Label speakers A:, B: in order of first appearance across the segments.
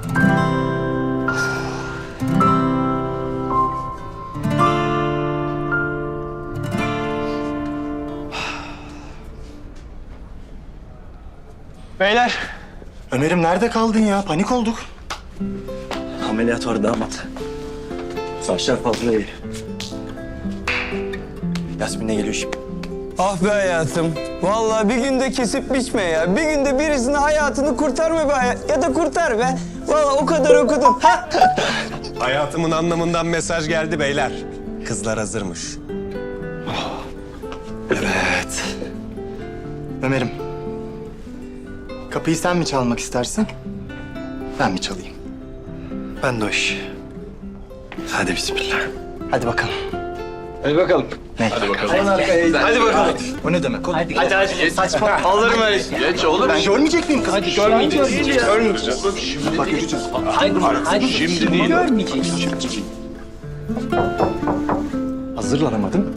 A: Beyler.
B: Ömer'im nerede kaldın ya? Panik olduk.
A: Ameliyat var damat. Saçlar fazla iyi. Yasmin'e geliyor şimdi.
C: Ah be hayatım. Vallahi bir günde kesip biçme ya. Bir günde birisinin hayatını kurtarma be hayat. Ya da kurtar be. Vallahi o kadar okudum. Ha?
D: Hayatımın anlamından mesaj geldi beyler. Kızlar hazırmış.
B: Evet. Ömer'im. Kapıyı sen mi çalmak istersin? Ben mi çalayım?
A: Ben de o iş. Hadi bismillah.
B: Hadi bakalım.
C: Hadi bakalım.
B: Ne?
C: Hadi bakalım.
B: O ne demek?
C: Hadi. Saçma. Alırım öyle.
E: Geç oğlum.
B: Ben görmeyecek miyim kızı?
C: Hadi görmeyeceğiz. Görmeyeceğiz.
B: Bak göreceğiz.
E: Hadi şimdi değil.
B: Hazırlanamadım.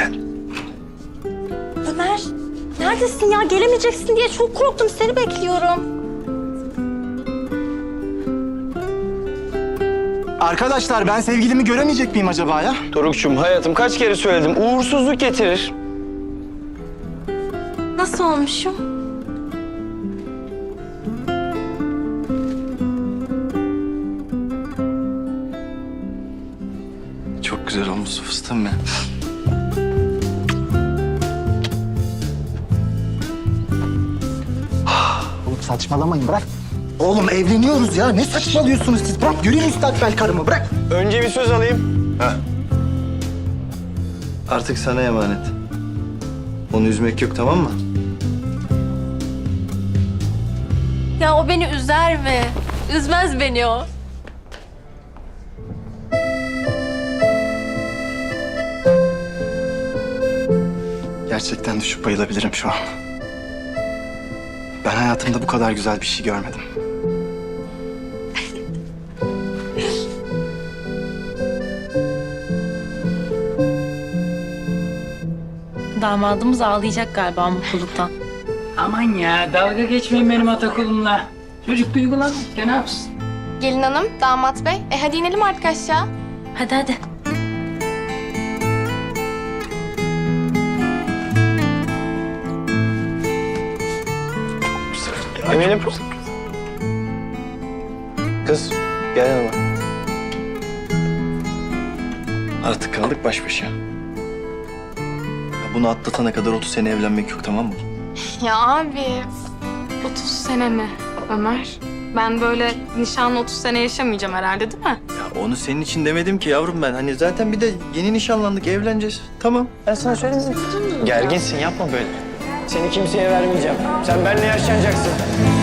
F: Ömer, neredesin ya? Gelemeyeceksin diye çok korktum. Seni bekliyorum.
B: Arkadaşlar ben sevgilimi göremeyecek miyim acaba ya?
C: Doruk'cum hayatım kaç kere söyledim. Uğursuzluk getirir.
F: Nasıl olmuşum?
A: Çok güzel olmuş fıstığım ya.
B: Oğlum saçmalamayın bırak. Oğlum evleniyoruz ya. Ne saçmalıyorsunuz siz? Bırak göreyim müstakbel karımı bırak.
C: Önce bir söz alayım.
A: Artık sana emanet. Onu üzmek yok, tamam mı?
F: Ya o beni üzer mi? Üzmez beni o.
B: Gerçekten düşüp bayılabilirim şu an. Ben hayatımda bu kadar güzel bir şey görmedim.
F: Damadımız ağlayacak galiba mutluluktan.
G: Aman ya dalga geçmeyin benim atakulumla. Çocuk duygulanmış ya ne yapsın?
H: Gelin hanım, damat bey. Hadi inelim artık aşağı.
F: Hadi hadi.
C: Eminim. Kız gel yanıma.
A: Artık kaldık baş başa. Ya bunu atlatana kadar 30 sene evlenmek yok, tamam mı?
H: Ya abi, 30 sene mi Ömer? Ben böyle nişanlı 30 sene yaşamayacağım herhalde değil mi?
A: Ya onu senin için demedim ki yavrum ben. Hani zaten bir de yeni nişanlandık, evleneceğiz. Tamam.
C: Ben sana söyledim. Gerginsin yapma böyle. Seni kimseye vermeyeceğim. Sen benimle yaşlanacaksın.